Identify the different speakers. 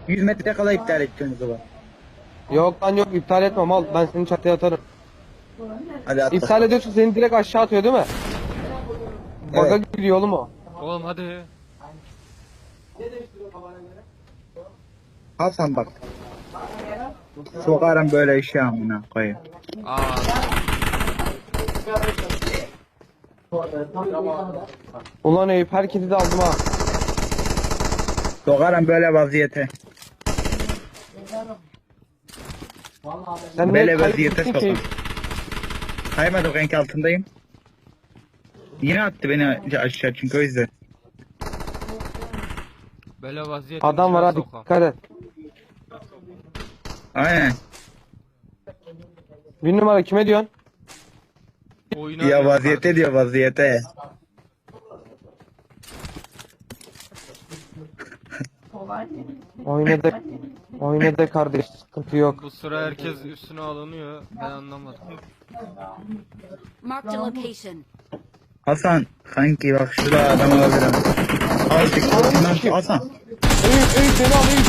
Speaker 1: 100 metre kala iptal edeceğim o zaman.
Speaker 2: Yok lan yok, iptal etmem, al ben seni çatıya atarım.
Speaker 1: Hadi at.
Speaker 2: İptal ediyorsun, seni direkt aşağı atıyor değil mi? Baga
Speaker 1: Evet.
Speaker 2: giriyor oğlum o.
Speaker 3: Oğlum hadi.
Speaker 1: Hasan bak. Sokarım böyle işe amına koyayım.
Speaker 3: Aa.
Speaker 2: Ulan Eyüp, herkesi de aldım ha.
Speaker 1: Sokarım böyle vaziyete.
Speaker 2: Sen
Speaker 1: Böyle
Speaker 2: ne
Speaker 1: vaziyete
Speaker 2: kaybettin ki?
Speaker 1: sokar. Kaymadım, renk altındayım. Yine attı beni aşağı çünkü o yüzden.
Speaker 3: Böyle vaziyette
Speaker 2: Adam var, hadi dikkat et.
Speaker 1: Aynen.
Speaker 2: Bir numara kime diyorsun?
Speaker 1: Ya vaziyete diyor, vaziyete.
Speaker 2: Oynadı kardeş, sıkıntı yok.
Speaker 3: Bu sıra herkes üstüne alınıyor. Ben anlamadım.
Speaker 4: Marked a location.
Speaker 1: Hasan kanki bak şurada adam alabilirim. Azıcık Hasan.
Speaker 2: Eyüp beni al Eyüp.